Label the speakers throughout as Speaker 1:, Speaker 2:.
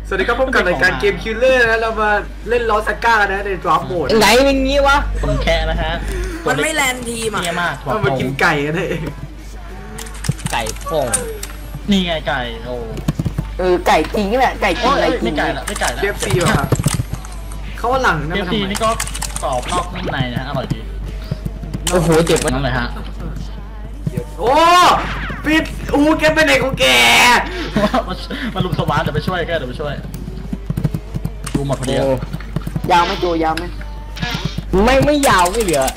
Speaker 1: สวัสดีครับพบกับรายการเกมคิลเลอร์นะเรามาเล่นลอสก้ากันนะในดราฟโหมด
Speaker 2: ไหนเป็นงี้วะ
Speaker 3: คนแค่นะฮะ
Speaker 4: มันไม่แลนทีมอ่ะ
Speaker 3: เนี่ยมาก
Speaker 1: เรามากินไก่กันเลย
Speaker 2: ไก่โป่ง
Speaker 3: นี่ไงไก่โอ้
Speaker 2: ไก่จริงแหละไก่จริงอะไร
Speaker 3: ไม่ไก่ละไม่ไก่ละ
Speaker 1: เคฟซีว่ะเขาว่าหลังนะ
Speaker 3: เคฟซีนี่ก็กรอบนอกนุ่มในนะอร่อยดี
Speaker 2: โอ้โหเจ็บมัน
Speaker 3: นั่นเลยฮะ
Speaker 1: โอ้ปิดแกเป็นเด็กของแก
Speaker 3: มาลุมสวานเดี๋ยวไปช่วยแกเดี๋ยวไปช่วยดูหมดพอดี
Speaker 2: ยาวไหมตัวยาวไหมไม่ยาวไม่เหลือ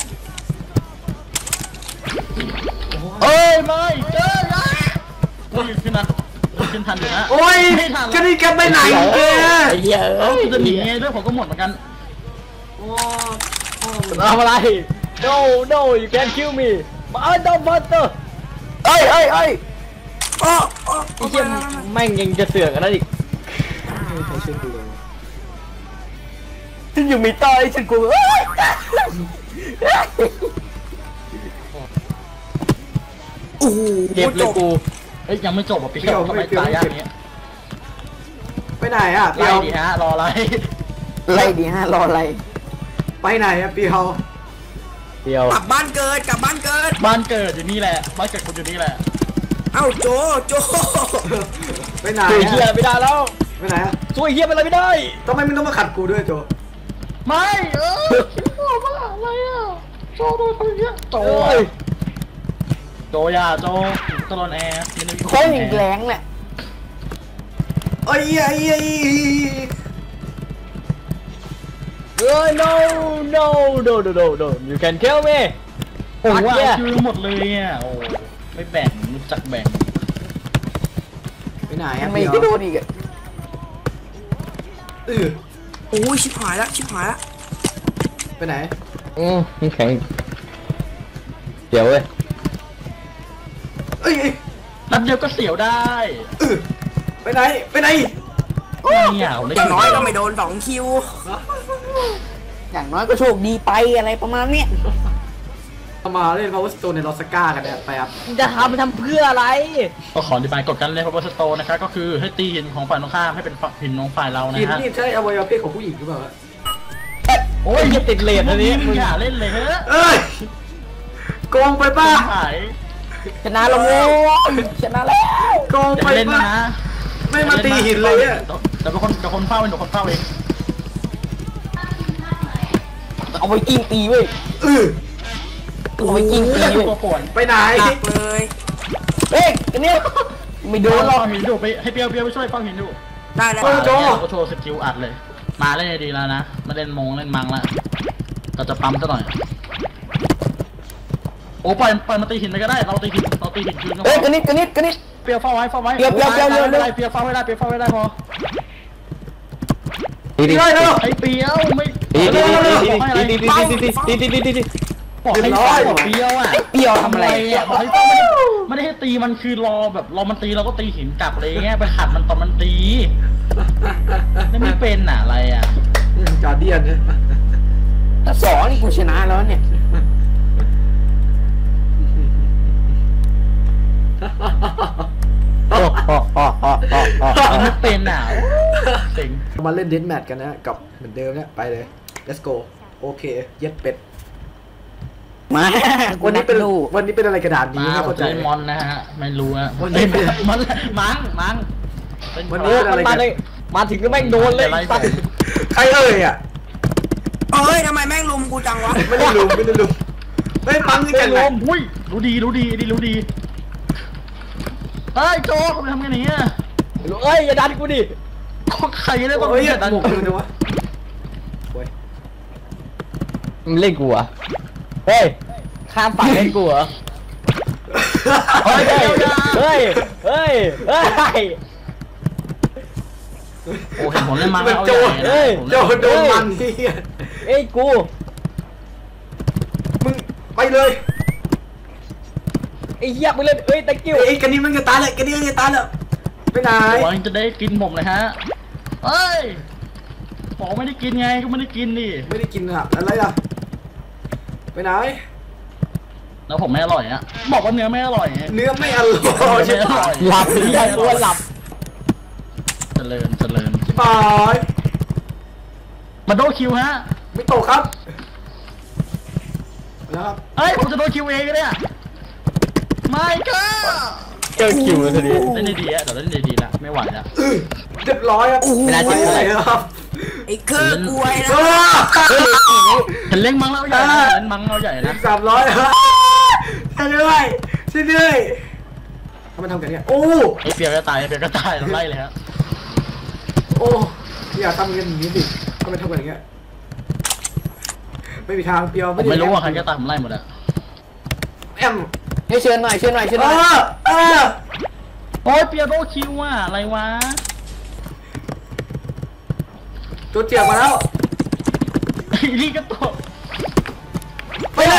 Speaker 3: เอ้ยไม่เจอนะขึ้นนะขึ้นทันอยู่นะ
Speaker 1: โอ้ยจะนี่แกไปไหนแก
Speaker 3: จะหนีไงด้วยผมก็หมดเหมือนกัน
Speaker 2: ทำอะไร no you can't kill me don't bother เอ้ยไอ้เหี้ยแม่งยังจะเสือกอะไรอีกฉันอยู่มีต้อยฉันกลัวเจ็บเลยกู
Speaker 3: เอ้ยยังไม่จบอ่ะพี่ทำไมตายยากนี้
Speaker 1: ไปไหนอ่ะ
Speaker 3: ไล่ดิฮะรออะไร
Speaker 2: ไล่ดิฮะรออะไร
Speaker 1: ไปไหนอ่ะเปียว
Speaker 4: กลับบ้านเกิดบ้านเกิด
Speaker 3: อยู่นี่แหละบ้านเกิดคุณอยู่นี่แหละ
Speaker 4: เอ้าโจ
Speaker 1: ไปไหน
Speaker 2: ช่วยเฮียไม่ได้แล้ว
Speaker 1: ไปไหนอ่ะ
Speaker 2: ช่วยเฮียอะไรไม่ได้
Speaker 1: ทำไมมึงต้องมาขัดกูด้วยโจ
Speaker 3: ไม่ว่าอะไรอ่ะโจโดนคนเยอะโจยาโจตลอดแอร์
Speaker 2: โค้งแรงแหละ
Speaker 1: ไอ้
Speaker 2: no you can kill me
Speaker 3: โอ้ว่าคือหมดเลยอ่ะโอ้ไม่แบ่งรู้จักแบ่ง
Speaker 1: ไปไหนอ่ะ
Speaker 2: ไม่โดนอีก
Speaker 4: โอ้ยชิบหายละ
Speaker 1: ไปไหน
Speaker 2: นี่แข็งเดี๋ยวเว้ย
Speaker 3: นัดเดียวก็เสียวได้
Speaker 1: ไปไหน
Speaker 4: อย่างน้อยก็ไม่โดน2 คิว
Speaker 2: อย่างน้อยก็โชคดีไปอะไรประมาณเนี้ย
Speaker 1: มาเล่น Power Stone ในลอสก้ากันเนี่ยไปครับ
Speaker 2: จะทำเพื่ออะไร
Speaker 3: ก็ขออธิบายกฎการเล่น Power Stone นะครับก็คือให้ตีหินของฝ่ายตรงข้ามให้เป็นหินของฝ่ายเรานะฮะ
Speaker 1: หินนี่ใช่อวัยวะเพศของผู้หญิงหรือเปล่า
Speaker 2: โอ้ยอย่าติดเลนอันนี้
Speaker 3: มึงอย่าเล่นเลยเฮ้
Speaker 1: ยโกงไปป่ะ
Speaker 2: ชนะแล้วชนะแล้ว
Speaker 1: โกงไปป่ะไม่มาตีหินเลยเนี่ย
Speaker 3: เดี๋ยวคนเฝ้าเอง
Speaker 2: เอาไปกิ้งตีเว้ยเอาไปกิ้งตีเว้ย
Speaker 1: ไปไหน
Speaker 4: เลย
Speaker 2: เฮ้ยอันนี้ไม่โดนหรอก
Speaker 3: หินดูไปให้เปียวไปช่วยเฝ้าหินดู
Speaker 4: ได้แล้ว
Speaker 3: ก็โชว์สกิลอัดเลยมาเล่นดีแล้วนะมาเล่นเล่นมังแล้วเราจะปั๊มซะหน่อยโอ้ปล่อยมาตีหินไปก็ได้เราตีหินคืนก็พอ
Speaker 2: กันนิด
Speaker 3: เปียวเฝ้าไว้เปียวเฝ้าไว้ได้พอ
Speaker 1: ตีได้แล้ว
Speaker 3: ไอ้เปียวไม่
Speaker 2: ตี
Speaker 3: บอกให้เปียวอ่ะ
Speaker 2: เปียวทำอะไร
Speaker 3: อ่ะบอกให้ไม่ได้ให้ตีมันคือรอแบบรอมันตีเราก็ตีหินกลับอะไรเงี้ยไปขัดมันตอนมันตีไม่เป็นอะไรอ่ะ
Speaker 1: จอร์เดียนเนี่ย
Speaker 2: สองนี่กูชนะแล้วเนี่ย
Speaker 3: ไม่เป็นอ่ะสิง
Speaker 1: มาเล่นเดนแมทกันนะกับเหมือนเดิมเนี่ยไปเลย let's go โอเคเย็ดเป็ด
Speaker 2: มา
Speaker 1: วันนี้เป็นอะไรกระดาษนี้
Speaker 3: ไม่เข้าใจมอนนะฮะไม่รู้อะวันนี้เป็นมันมัง
Speaker 1: วันนี้เป็นอะไรกัน
Speaker 2: มาถึงก็แม่งโดนเลย
Speaker 1: ใครเอ่ยอ่ะ
Speaker 4: ทำไมแม่งลุมกูจังวะ
Speaker 1: ไม่ได้ลุมไม่ปังนี่กันเลย
Speaker 3: อุ้ยรู้ดีเฮ้ยโจ้เขาไปทำกันอย่างเงี้ย
Speaker 2: อย่าดันกูดิ
Speaker 3: ใครได้บ้าง
Speaker 1: อย่าดันกูนะวะ
Speaker 2: มึงเล่นกูอะเฮ้ยข้ามฝั่งเล่นกูเหรอเฮ้ย
Speaker 3: โอ้เห็นผมเล่นมังเอา
Speaker 1: โจโดนมันนี่
Speaker 2: กู
Speaker 1: มึงไปเลย
Speaker 2: ไอ้เหี้ยมึงเล่นตะกิ้ว
Speaker 1: กันนี้มันจะตายเลยไปไหน
Speaker 3: หวังจะได้กินผมเลยฮะเฮ้ยบอกไม่ได้กินไงก็ไม่ได้กินดิ
Speaker 1: ไม่ได้กินอะอะไรอะไปไหน
Speaker 3: แล้วผมไม่อร่อยอะบอกว่าเนื้อไม่อร่อย
Speaker 1: เนื้อไม่อร่อย
Speaker 2: หลับตัวหลับ
Speaker 3: เจริญ
Speaker 1: ปล่อย
Speaker 3: มาโดนคิวฮะ
Speaker 1: ไม่ตกครับแล้วครับ
Speaker 3: เอ้ยผมจะโดนคิวเองเนี่ยไม่ก็
Speaker 2: เจอคิวเลยทีเดียว
Speaker 3: เล่นดีๆเดี๋ยวเล่นดีๆละไม่ไหวแล้ว
Speaker 1: เรียบร้อยครับ
Speaker 2: เวลาเจ็บอะไร
Speaker 1: ครับ
Speaker 4: ไอ้เครือกล้วยนะ
Speaker 3: เห็นเล่งมังเราใหญ่นะเล่นมังเราใหญ่นะ
Speaker 1: 300ครับช่วยด้วยช่วยด้วยทำไมทำกันเนี่ยโอ้
Speaker 3: ไอเปียก็ตายไอเปียก็ตายเราไล่เลยฮะ
Speaker 1: โอ้อย่าทำกันอย่างนี้ดิทำไมทำกันอย่างเงี้ยไม่มีทางเปียว
Speaker 3: ผมไม่รู้ว่าใครก็ตายผมไล่หมดอะ
Speaker 1: แอม
Speaker 2: ให้เชิญหน่อยเชิญหน่อยเชิญหน่อย
Speaker 3: โอ้ยเปียโดนคิวอ่ะอะไรวะ
Speaker 1: ตัวเจียบมาแล้ว
Speaker 3: ไอ้นี่ก็ตก
Speaker 1: ไปแล้ว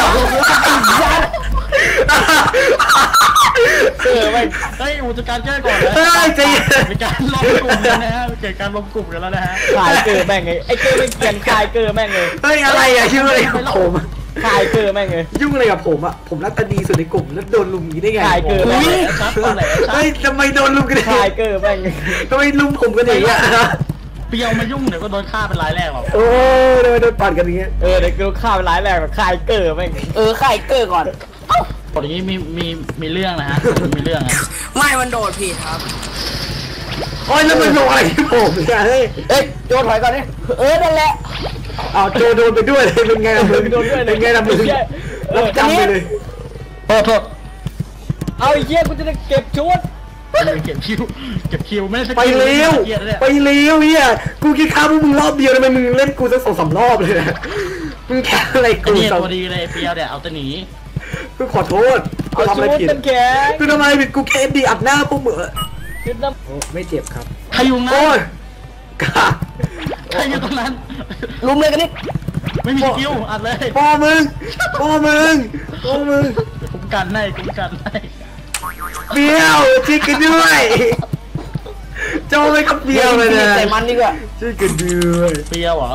Speaker 2: ไม่
Speaker 3: เฮ้ยอุจการแก้ก่อนนะ
Speaker 1: เฮ้ยใจเย็น
Speaker 3: มีการล้อมกลุ่มกันนะฮะเกิดการล้อมกลุ่มกันแล้วนะฮะ
Speaker 2: ขายเกอร์แม่งไงไอ้เกอร์ไม่เกลียนขายเกอร์แม่งเลย
Speaker 1: เฮ้ยอะไรอะยุ่งอะไรกับผมอะ
Speaker 2: ขายเกอร์แม่งเลย
Speaker 1: ยุ่งอะไรกับผมอะผมรักตาดีสุดในกลุ่มแล้วโดนลุมอย่างนี้ได้ไง
Speaker 2: ขายเกิน
Speaker 3: แหละชัดตอนไหนชัด
Speaker 1: เฮ้ยทำไมโดนลุมกัน
Speaker 2: ขายเกอร์แม่ง
Speaker 1: ทำไมลุมผมกันอย่างเงี้ย
Speaker 3: เปียวมายุ่งเดี๋ยวก็โดนฆ่าเป็นรายแรกหรอก
Speaker 1: โอ้ยทำไมโดนปั่นกันอย่างเงี้ย
Speaker 2: เดี๋ยวกูฆ่าไปร้ายแรงแบบขายเกอร์แม่งขายเกอร์ก่อน
Speaker 3: ตอนนี้มีเรื่องนะฮะมีเรื่องนะ
Speaker 4: ไม่มันโดดผิดครับ
Speaker 1: โอ้ยแล้วมันลงอะไรที่ผมเนี่ยเฮ้ย
Speaker 2: โจถอยก่อนนี่นั่นแหละ
Speaker 1: เอาโจโดนไปด้วยเลยเป็นไงล่ะมึง
Speaker 2: โดนด้วย
Speaker 1: เป็นไงล่ะมึงรับจำไปเลย
Speaker 3: โทษ
Speaker 2: เอาไอ้เหี้ยกูจะได้เก็บชุด
Speaker 3: เก็บคิวไม่ได้
Speaker 1: ไปเร็ว
Speaker 3: เกียร์เนี่ย
Speaker 1: ไปเร็วเฮียกูคิดข้าวพวกมึงรอบเดียวทำไมมึงเล่นกูสัก2-3 รอบเลยนะมึงแค่อะไร
Speaker 3: ไอ้
Speaker 1: กู
Speaker 3: นี่
Speaker 1: สอง
Speaker 3: ตัวดีเลยเปียวเนี่ยเอาแต่หนี
Speaker 1: กูขอโทษกู
Speaker 2: เอา
Speaker 1: ทำอะไร
Speaker 2: ชุด
Speaker 1: ผิด
Speaker 2: กันแข็ง
Speaker 1: กูทำอะไรผิดกูแค่ดีอัดหน้าพวกมึง
Speaker 2: ชุดน้
Speaker 1: ไม่เจ็บครับ
Speaker 3: ใครอยู่นั้
Speaker 1: โอ้
Speaker 3: น
Speaker 1: ยกา
Speaker 3: ใครอยู่ตรงนั้น
Speaker 2: ำลุมเลยกันนี่
Speaker 3: ไม่มีสกิลอัดเลย
Speaker 1: พ่อมึงพ่อมึงพ่อมึง
Speaker 3: คุ้มกันให้
Speaker 1: เบี้ยวช่วยกันด้วยโจไม่กับเบี้ยวเลยนะ
Speaker 2: ใส่มันดีกว่า
Speaker 1: ช่วยกันด้วย
Speaker 3: เปียวเหรอ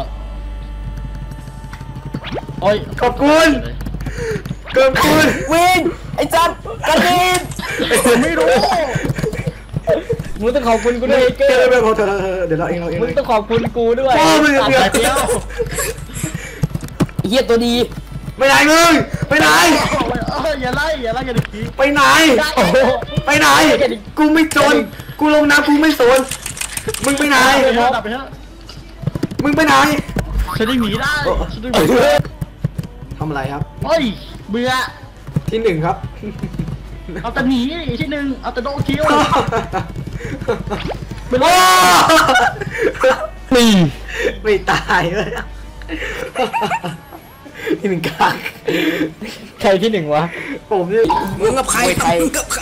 Speaker 3: โอ้ย
Speaker 1: ขอบคุณขอบคุณ
Speaker 2: วินไอ้จัดกระดิน
Speaker 3: ไม่รู้
Speaker 2: มึงต้องขอบคุณกูด้วยไอ้เก
Speaker 1: เจ
Speaker 2: อ
Speaker 1: อ
Speaker 2: ร์
Speaker 1: ไปพอเธอเดี๋ยวเราเอง
Speaker 2: มึงต้องขอบคุณกูด้วย
Speaker 1: พ่อมึงกับเบี้ยว
Speaker 3: เปียว
Speaker 2: เฮียตัวดี
Speaker 1: ไปไหนมึงไปไหน
Speaker 3: อย่าไล่กันอีกที
Speaker 1: ไปไหนไปไหนกูไม่จนกูลงน้ำกูไม่สนมึงไปไหน
Speaker 3: ดับไปเถอะ
Speaker 1: มึงไปไหน
Speaker 3: ฉันได้หนีได้ฉันได้หนี
Speaker 1: ทำอะไรครับ
Speaker 3: โอ้ยเบื่อ
Speaker 1: ที่1ครับ
Speaker 3: เอาแต่หนีที่หนึ่งเอาแต่โดนคิว
Speaker 1: ไม่รอดไม่ตายเลยที่1กลาง
Speaker 2: ใครที่หนึ่งวะ
Speaker 1: ผมเนี่ย
Speaker 4: มึงกับใคร
Speaker 2: ไม่ใคร
Speaker 4: มึงกับใคร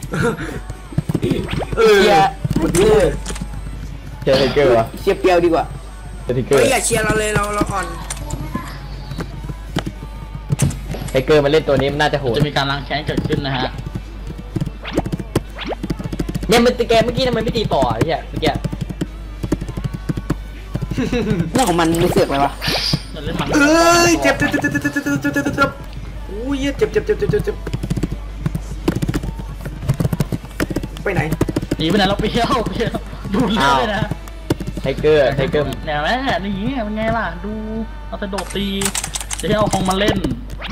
Speaker 2: เชียร์เชียร์ไทเกอร์วะเชียร์เปียวดีกว่าเชียร์ไทเกอ
Speaker 4: เฮ้
Speaker 2: ร์
Speaker 4: ยอย่าเชียร์เราเลยเราอ่อน
Speaker 2: ไทเกอร์มาเล่นตัวนี้มันน่าจะโหด
Speaker 3: จะมีการล้างแค้นเกิดขึ้นนะฮะ
Speaker 2: เนี่ยมันตีแกเมื่อกี้ทำไมไม่ตีต่อไอ้เหี้ยเมื่อกี้เรื่องของมันไม่เสือกเลยวะ
Speaker 3: จะเล่นมัง
Speaker 1: เอ้ยเจ็บอุ้ยเจ็บไปไหน
Speaker 3: หนีไปไหนเราเปี้ยวดูเลือดเลยนะ
Speaker 2: ไทเกอร์
Speaker 3: เนี่ยแม่นี่เป็นไงล่ะดูเอาแต่โดดตีจะให้เอาของมาเล่น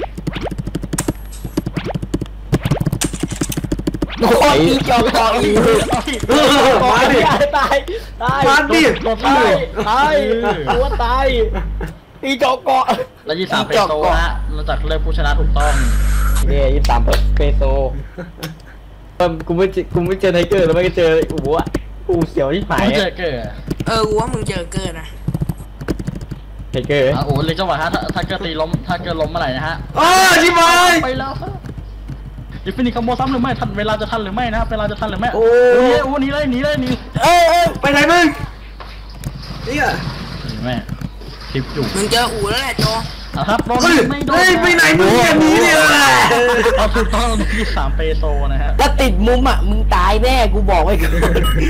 Speaker 2: โอ้ยตีจอกต่ออีก
Speaker 1: มาดิ
Speaker 2: ตาย
Speaker 1: มาดิ
Speaker 3: โดดตี
Speaker 2: ตายตัวตายตีจอกเกาะ
Speaker 3: แล้ว23เป็นโตนะเราจะเลือกผู้ชนะถูกต้อง
Speaker 2: เนี่ย23เปโซกูไม่เจอไทเกอร์แล้วไม่เจออู๋อ่ะอู๋เขียวที่หาย
Speaker 3: ไม่เจอเกิด
Speaker 4: กูว่ามึงเจอเกินนะ
Speaker 2: ไทเกอร์
Speaker 3: โอ้เลยจังหวะถ้าเกิดตีล้มถ้าเกิดล้มเมื่อไหร่นะฮะ
Speaker 1: ชิบาย
Speaker 3: ไปแล้วดิฟินิคอมโบซ้ำหรือไม่ทันเวลาจะทันหรือไม่นะเวลาจะทันหรือไม่โอ้หนีเลยหนี
Speaker 1: ไปไหนมึงเนี่ย
Speaker 3: แม่คลิปอยู่
Speaker 4: มึงเจออู่แล้วแหละโจ
Speaker 3: ครับโดน
Speaker 1: เฮ้ย
Speaker 3: ไม่โดน
Speaker 1: ไปไหนมึงเนี่ยหนีเนี่ย
Speaker 3: เราถูกต้อง23เปโซนะฮะ
Speaker 2: ถ้าติดมุมอ่ะมึงตายแน่กูบอกไว้ก่อน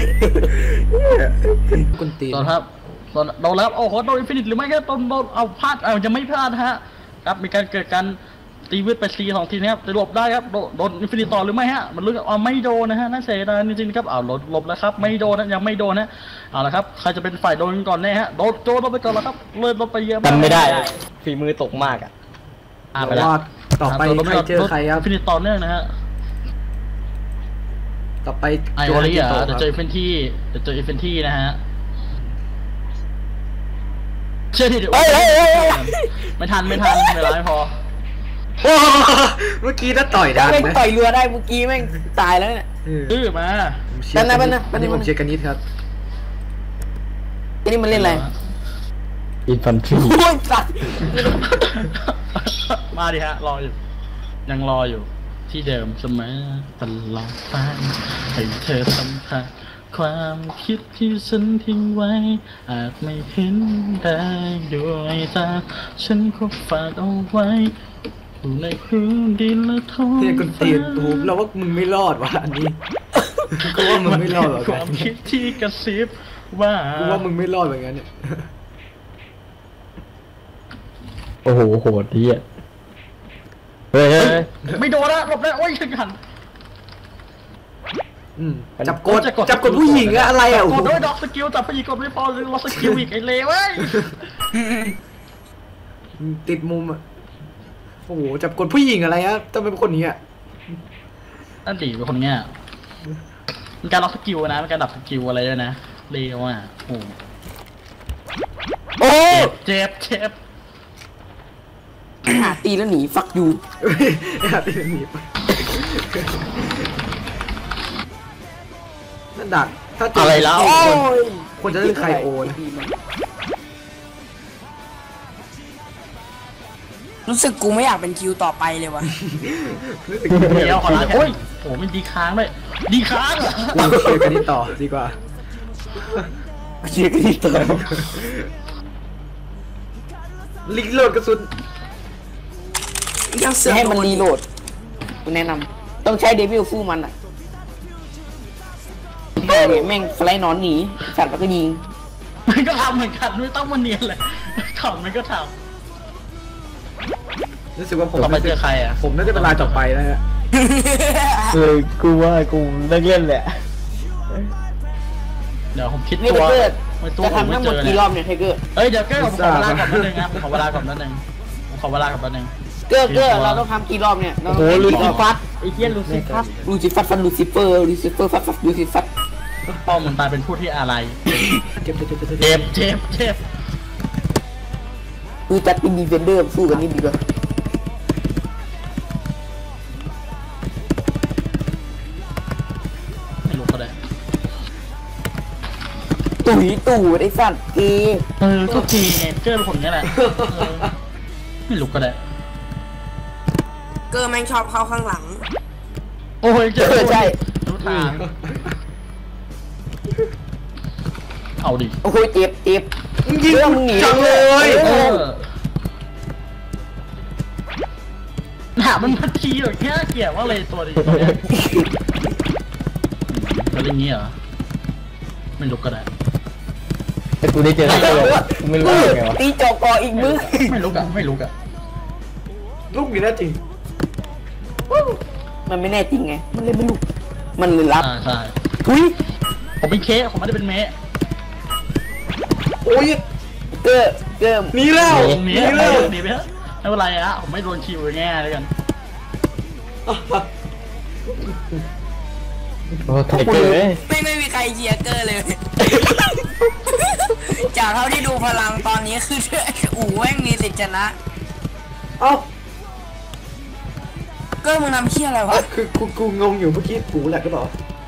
Speaker 1: กุนตี
Speaker 3: โดนครับโดนแล้วโอ้โหโดนอินฟินิตหรือไม่ก็โดนเอาพลาดจะไม่พลาดฮะครับมีการเกิดการตีวิทย์ไป4-2 ทีนะครับจะหลบได้ครับโดนอินฟินิตต่อหรือไม่ฮะมันลุ้นไม่โดนนะฮะน่าเสียดายจริงๆครับหลบแล้วครับไม่โดนนะยังไม่โดนนะเอาละครับใครจะเป็นฝ่ายโดนก่อนแน่ฮะโดนโจลงไปก่อนแล้วครับเลยลงไปเยอะ
Speaker 2: จำไม่ได้ฝีมือตกมากอ่ะ
Speaker 3: ไปแล้ว
Speaker 1: ต่อไปใครเจอใครครับ
Speaker 3: อินฟินิตต่อเนื่องนะฮะ
Speaker 1: ต่อไป
Speaker 3: ไอโอริอ่ะเดี๋ยวเจออินฟินิตี้นะฮะเชื่อที่เดี๋ยวไม่ทันเวลาไม่พอ
Speaker 1: เมื่อกี้ถ้าต่อยดัง
Speaker 2: แม่ง
Speaker 1: นะ
Speaker 2: ต่อยเรือได้เมื่อกี้แม่งตายแล้วเนี่ย
Speaker 3: มา
Speaker 1: ผมเชียร์กันนิดผมเชียร์กันนิดครับ
Speaker 2: นี่มันเล่นอะไร
Speaker 5: อินฟันทรี
Speaker 2: โอ้ยสัตว์
Speaker 3: มาดิฮะรออยู่ยังรออยู่ที่เดิมเสมอตลอดไปให้เธอสัมผัสความคิดที่ฉันทิ้งไว้อาจไม่เห็นได้ด้วยตาฉันก็ฝากเอาไว้อยู่ในพื้นดินและท้อง
Speaker 1: เนี่ยคนตีนตูเราว่ามึงไม่รอดว่ะอันนี้กูว่ามึงไม่รอดหรอก
Speaker 3: ความคิดที่กระซิบว่า
Speaker 1: กูว่ามึงไม่รอดเหมือนกันเนี่ย
Speaker 5: โอ้โหโหดที่อ่ะเฮ้ย
Speaker 3: ไม่โดนละหลบได้โอ้ยถึงหัน
Speaker 1: จับกดผู้หญิงอะอะไรอะ
Speaker 3: กดด้วยด็อกสกิลจับผู้หญิงกดไม่พอเลยล็อกสกิลอีกไอ้เลวเว้ย
Speaker 1: ติดมุมอะโอ้โหจับกดผู้หญิงอะไรอะต้องเป็นคนนี้อะ
Speaker 3: นั่นดิเป็นคนเงี้ยมันการล็อกสกิลนะมันการดับสกิลอะไรด้วยนะเลวอ่ะโอ้
Speaker 2: โอ้
Speaker 3: เจ็บ
Speaker 2: หาตีแล้วหนีฟักยู
Speaker 1: ติดหนีบนั่นดักถ้าเจ
Speaker 2: อะไรแล้ว
Speaker 1: คนจะเล่นไคโอนะ
Speaker 4: รู้สึกกูไม่อยากเป็นคิวต่อไปเลยวะ
Speaker 3: เดี๋ยวขอลาโอ้ยโอ้มันดีค้างด้วยดีค้างเหรอ
Speaker 1: เราเชียร์กันนี้ต่อดีกว่า
Speaker 2: เชียร์กันต่อ
Speaker 1: ลิงโหลดกระสุน
Speaker 4: ยังเสือก
Speaker 2: ให้มัน
Speaker 4: โด
Speaker 2: รีโหลดกูแนะนำต้องใช้เดวิลฟูมันอ่ะเนี่ยแม่งไฟนอนหนีสัตว์แล้วก็ยิง
Speaker 3: มันก็ทำเหมือนกันไม่ต้องมาเนียนเลยถอนมันก็ท
Speaker 1: รู้สึกว่าผม
Speaker 3: ำต่อไปเจอใครอ่ะ
Speaker 1: ผมน่าจะเป็นรายต่อไปแล้วฮะ
Speaker 5: กูว่ากูเลิกเล่นแหละ
Speaker 3: เดี๋ยวผมคิด
Speaker 2: นี่
Speaker 3: ตัว
Speaker 2: เกิด
Speaker 3: ไม่ตัว
Speaker 2: จะ
Speaker 3: ผม
Speaker 2: ทำ
Speaker 3: ไม่
Speaker 2: ทั้งห
Speaker 3: เจ
Speaker 2: มด
Speaker 3: อ
Speaker 2: กี่ร
Speaker 3: เนี่
Speaker 2: อย บเนี่ยไทเกอร์
Speaker 3: เอ้ยเดี๋ยวเก้ผมขอเวลาก่อนแป๊บนึงนะผมขอเวลาก่อนแป๊บนึงผมขอเวลาก่อนแป๊บนึง
Speaker 2: เกอร์เราต้องทำกี่รอบเนี่ย
Speaker 5: โอ้โหลูซิฟัสไอ้เหี้ยลูซิฟัส
Speaker 2: ลูซิฟัสฟันลูซิเฟอร์ฟัดลูซิฟัส
Speaker 3: พ่อมึงตายเป็นผู้ที่อะไร
Speaker 1: เจ็บ
Speaker 3: เจ็บ
Speaker 2: คือจัดเป็นดีเฟนเดอร์สู้กันนี่ดีกว่า
Speaker 3: ไม่รู้ก็ได้
Speaker 2: ตู่ไอ้สัตว์เก
Speaker 3: ก็ทีเจอเป็นคนนี้แหละไม่รู้ก็ได้
Speaker 4: เกอร์แม่งชอบเข้าข้างหลัง
Speaker 3: โอ้ยเจอ
Speaker 2: ใช่
Speaker 3: รู้ทางเอาดิ
Speaker 2: โอ้ยเจ็บ
Speaker 1: ยิง
Speaker 2: มึงหนี
Speaker 1: จังเลย
Speaker 3: หนามันพัทีหรอแค่เกลียดว่าเลยตัวดีตัวเนี้ยแล้วอย่างงี้เหรอไม่รู้ก็ได้
Speaker 5: แต่กูได้เจอไอ้ตัวกูไม่รู้ยังไงวะ
Speaker 2: ตีจอกออีกมือ
Speaker 3: ไม่รู้อะ
Speaker 1: ลูกนี้น่าจริง
Speaker 2: มันไม่แน่จริงไงมันเลยไม่รู้มันเลยรับ
Speaker 3: ใช่
Speaker 2: ทุย
Speaker 3: ผมเป็นเคสผมไม่ได้เป็นเมะ
Speaker 1: โอ้ย
Speaker 2: เกอร์
Speaker 1: หนีแล้ว
Speaker 3: ตรง
Speaker 1: หนี
Speaker 3: นี้
Speaker 1: แล้ว
Speaker 3: หนีไปเถอะไม่เป็นไรอะผมไม่โดนคิวแง่เลยกัน
Speaker 5: โอ้ไทเกอร์เอ้ย
Speaker 4: ไม่มีใครเชียร์เกอร์เลย จากเท่าที่ดูพลังตอนนี้คืออู๋แม่งมีสิทธิ์ชนะ
Speaker 1: เอ้า
Speaker 4: เกอร์มึงทำเชี่ยอะไรวะ
Speaker 1: คือกูงงอยู่เมื่อกี้กูแหละก็บอก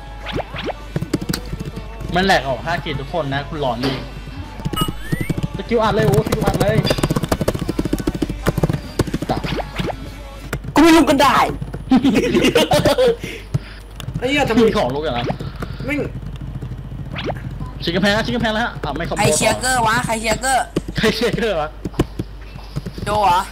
Speaker 3: มันแหลกออก5 เกตทุกคนนะคุณหลอนดิสกิลอัดเลยโอ้สกิลอัดเลยตับ
Speaker 2: กูไม่รู้ก็ได้
Speaker 1: ไอ้เหี้ยทำไม
Speaker 3: มีของลูกอย่างนั้น
Speaker 1: ไม่
Speaker 3: ชิคกำแพงแล้วฮะไม่คอมโบ
Speaker 4: ใครเชียร์เกอร์วะใครเชียร์เกอร์
Speaker 3: ใครเชียร์เกอร์วะ
Speaker 4: โจเหรอ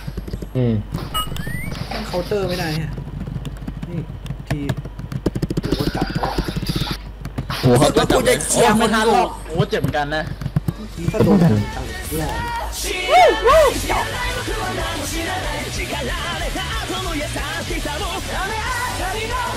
Speaker 1: เคาน์เตอร์ไม่ได้ฮะนี่ทีกูก็จับเขา
Speaker 5: หัวเขา
Speaker 4: แล้วกูจะเชียร์ค
Speaker 3: ไม่
Speaker 4: น
Speaker 3: ทัน
Speaker 4: ดู
Speaker 3: หรอกโอ้เจ็บเหมือนกันนะ
Speaker 1: ถ้าโดนจับหล่อ
Speaker 6: 優しさも雨上がりの